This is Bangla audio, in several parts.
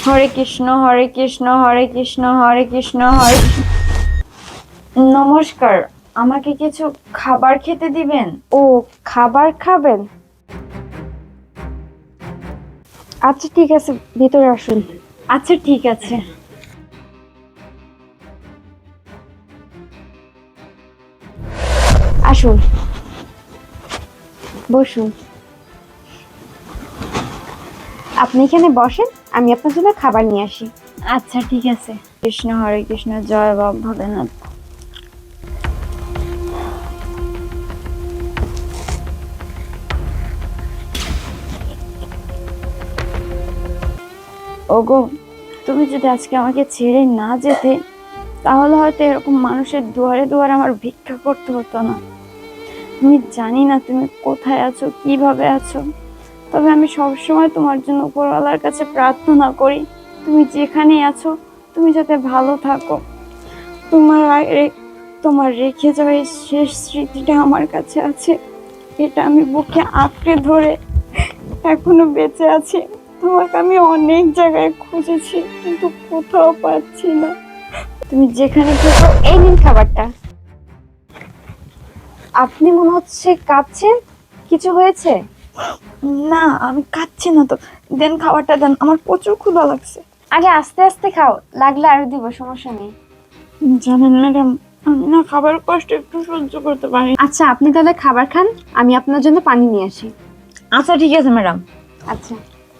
হরে কৃষ্ণ হরে কৃষ্ণ হরে কৃষ্ণ হরে কৃষ্ণ হরে কৃষ্ণ। নমস্কার, আমাকে কিছু খাবার খেতে দিবেন? ও, খাবার খাবেন? আচ্ছা ঠিক আছে, ভিতরে আসুন। আচ্ছা ঠিক আছে। আসুন, বসুন। আপনি এখানে বসেন, আমি আপনার জন্য খাবার নিয়ে আসি। আচ্ছা ঠিক আছে। কৃষ্ণ হরে কৃষ্ণ, জয় বাবা ভোলেনাথ। ওগো, তুমি যদি আজকে আমাকে ছেড়ে না যেতে, তাহলে হয়তো এরকম মানুষের দুয়ারে দুয়ারে আমার ভিক্ষা করতে হতো না। আমি জানি না তুমি কোথায় আছো, কিভাবে আছো, তবে আমি সবসময় তোমার জন্য উপরওয়ালার কাছে প্রার্থনা করি, তুমি যেখানেই আছো তুমি যাতে ভালো থাকো। তোমার তোমার রেখে যাওয়া এই শেষ স্মৃতিটা আমার কাছে আছে, এটা আমি বুকে আঁকড়ে ধরে এখনো বেঁচে আছি। তোমাকে আমি অনেক জায়গায় খুঁজেছি কিন্তু কোথাও পাচ্ছি না। তুমি যেখানে থেকো। এই নিন খাবারটা। আপনি মনে হচ্ছে কাঁদছেন, কিছু হয়েছে? না, আমি খাচ্ছি না তো। দেন, খাবারটা দেন, আমার প্রচুর ক্ষুধা লাগছে। আগে আস্তে আস্তে খাও, লাগলে আরো দিব, সমস্যা নেই। জানেন ম্যাডাম, আমি না খাবার কষ্ট একটু সহ্য করতে পারি। আচ্ছা, আপনি তাহলে খাবার খান, আমি আপনার জন্য পানি নিয়ে আসি। আচ্ছা ঠিক আছে ম্যাডাম। আচ্ছা।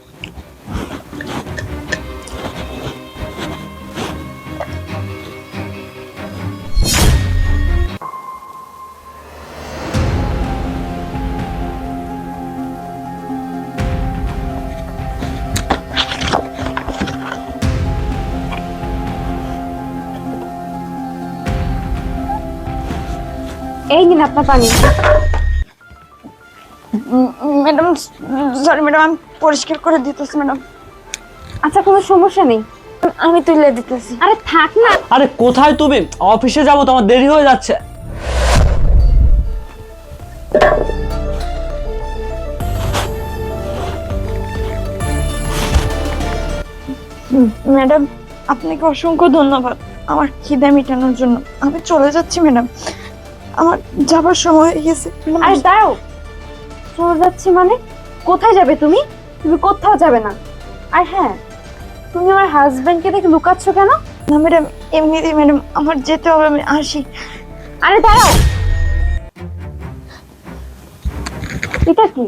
এই নিন আপনার পানি। ম্যাডাম সরি ম্যাডাম, আমি পরিষ্কার করে দিতেছি ম্যাডাম। আচ্ছা, কোনো সমস্যা নেই। আমি তুলে দিতেছি। আরে থাক না। আরে কোথায় তুমি? অফিসে যাবো তো, আমার দেরি হয়ে যাচ্ছে। ম্যাডাম, আপনাকে অসংখ্য ধন্যবাদ আমার খিদে মেটানোর জন্য। আমি চলে যাচ্ছি ম্যাডাম, আমার যাবার সময় হয়ে গেছে। আরে দাঁড়াও, চলে যাচ্ছি মানে? কোথায় যাবে তুমি? তুমি কোথাও যাবে না। আর হ্যাঁ, তুমি আমার হাজবেন্ডকে দেখে লুকাচ্ছ কেন? না ম্যাডাম, এমনিতেই ম্যাডাম আমার যেতে হবে, আমি আসি। আরে দাঁড়াও, এটা কি?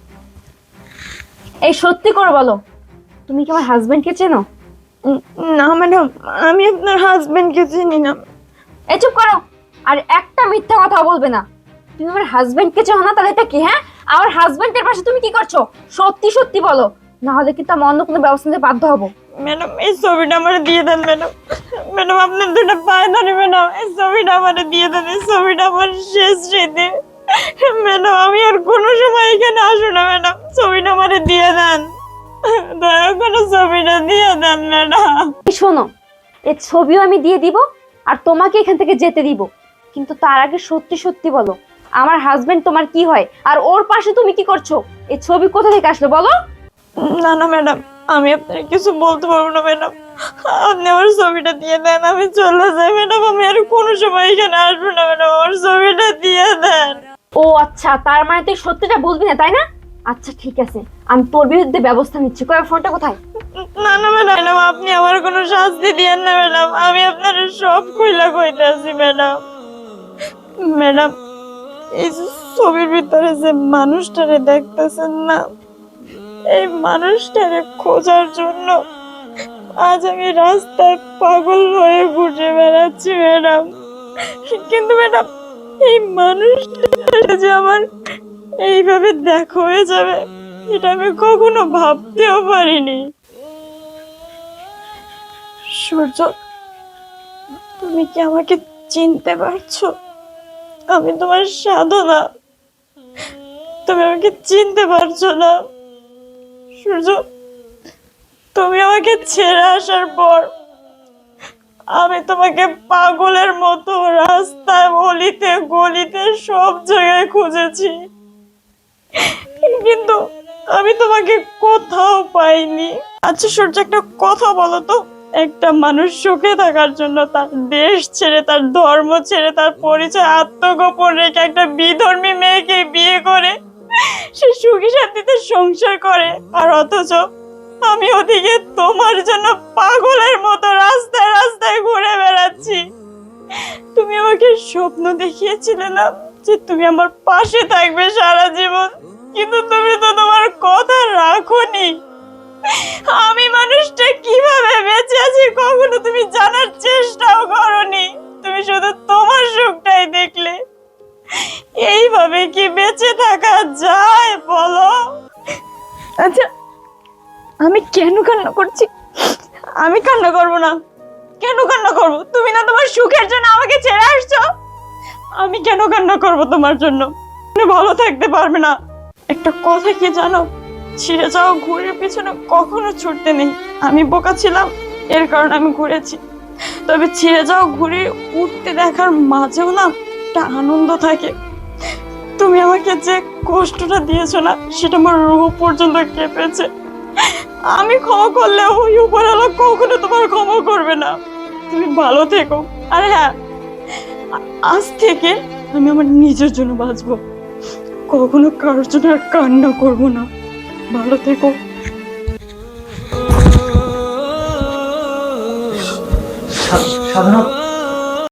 এই সত্যি করে বলো, তুমি কি আমার হাজবেন্ডকে চেনো? না ম্যাডাম, আমি আপনার হাজবেন্ডকে চিনি না। এই চুপ করো, আর একটা মিথ্যা কথা বলবে না। তুমি আমার হাজবেন্ডকে চেনো না, তাহলে এটা কি? হ্যাঁ, আমার হাজবেন্ডের পাশে তুমি কি করছো? সত্যি সত্যি বলো, না হলে কিন্তু আমি অন্য কোনো ব্যবস্থা নিতে বাধ্য হবো। ম্যাডাম, এই ছবিটা আমার দিয়ে দেন ম্যাডাম। ম্যাডাম, আপনার দুটো পায়ে ধরে ম্যাডাম, এই ছবিটা আমার দিয়ে দেন। এই ছবিটা আমার শেষ স্মৃতি ম্যাডাম। আমি আর কোনো সময় এখানে আসবো না ম্যাডাম, ছবিটা আমার দিয়ে দেন। দয়া করে ছবিটা দিয়ে দেন ম্যাডাম। এই শোনো, এই ছবিও আমি দিয়ে দিব, আর তোমাকে এখান থেকে যেতে দিব, কিন্তু তার আগে সত্যি সত্যি বলো, আমার হাজবেন্ড তোমার কি হয়, আর ওর পাশে তুমি কি করছো? এই ছবি কোথা থেকে আসলো বলো? না না ম্যাডাম, আমি আপনার কিছু বলতে পারবো না ম্যাডাম। আপনি আমার ছবিটা দিয়ে দেন, আমি চলে যাই ম্যাডাম। আমি আর কোনো সময় এখানে আসবো না ম্যাডাম, আমার ছবিটা দিয়ে দেন। ও আচ্ছা, তার মানে তুই সত্যিটা বলবি না, তাই না? আচ্ছা ঠিক আছে, আমি তোর বিরুদ্ধে ব্যবস্থা নিচ্ছি। কয়, ফোনটা কোথায়? না না ম্যাডাম, আপনি আমার কোনো শাস্তি দিয়েন না ম্যাডাম, আমি আপনার সব খুইলা কইতাছি ম্যাডাম। ম্যাডাম, এই যে ছবির ভিতরে যে মানুষটারে দেখতেছেন না, এই মানুষটারে খোঁজার জন্য আজ আমি রাস্তায় পাগল হয়ে ঘুরে বেড়াচ্ছি ম্যাডাম। কিন্তু ম্যাডাম, এই মানুষটা যে আমার এইভাবে দেখা হয়ে যাবে, এটা আমি কখনো ভাবতেও পারিনি। সূর্য, তুমি কি আমাকে চিনতে পারছো? আমি তোমার সাধনা, তুমি আমাকে চিনতে পারছো না? সূর্য, তুমি আমাকে ছেড়ে আসার পর আমি তোমাকে পাগলের মতো রাস্তায়, অলিতে গলিতে সব জায়গায় খুঁজেছি, কিন্তু আমি তোমাকে কোথাও পাইনি। আচ্ছা সূর্য, একটা কথা বলো তো, একটা মানুষ সুখে থাকার জন্য তার দেশ ছেড়ে, তার ধর্ম ছেড়ে, তার পরিচয় আত্মগোপন রেখে একটা বিধর্মী মেয়েকে বিয়ে করে সে সুখী শান্তিতে সংসার করে, আর অথচ আমি ওদিকে তোমার জন্য পাগলের মতো রাস্তায় রাস্তায় ঘুরে বেড়াচ্ছি। তুমি আমাকে স্বপ্ন দেখিয়েছিলে না যে তুমি আমার পাশে থাকবে সারা জীবন, কিন্তু তুমি তো তোমার কথা রাখোনি। আমি মানুষটা কিভাবে বেঁচে আছি কখনো তুমি জানার চেষ্টাও করোনি। তুমি শুধু তোমার সুখটাই দেখলে। এইভাবে কি বেঁচে থাকা যায় বলো? আচ্ছা, আমি কেন কান্না করছি? আমি কান্না করব না। কেন কান্না করব? তুমি না তোমার সুখের জন্য আমাকে ছেড়ে আসছো। আমি কেন কান্না করব তোমার জন্য? তুমি ভালো থাকতে পারবে না। একটা কথা কি জানো, ছিঁড়ে যাওয়া ঘুড়ির পিছনে কখনো ছুটতে নেই। আমি বোকা ছিলাম, এর কারণে আমি ঘুরেছি। তবে ছিঁড়ে যাওয়া ঘুড়ি উঠতে দেখার মাঝেও না একটা আনন্দ থাকে। তুমি আমাকে যে কষ্টটা দিয়েছো না, সেটা আমার রূহ পর্যন্ত কেঁপেছে। আমি ক্ষমা করলে ওই উপরওয়ালা কখনো তোমার ক্ষমা করবে না। তুমি ভালো থেকো। আর হ্যাঁ, আজ থেকে আমি আমার নিজের জন্য বাঁচবো, কখনো কারোর জন্য আর কান্না করবো না। ভালো থেকো। সাধনা,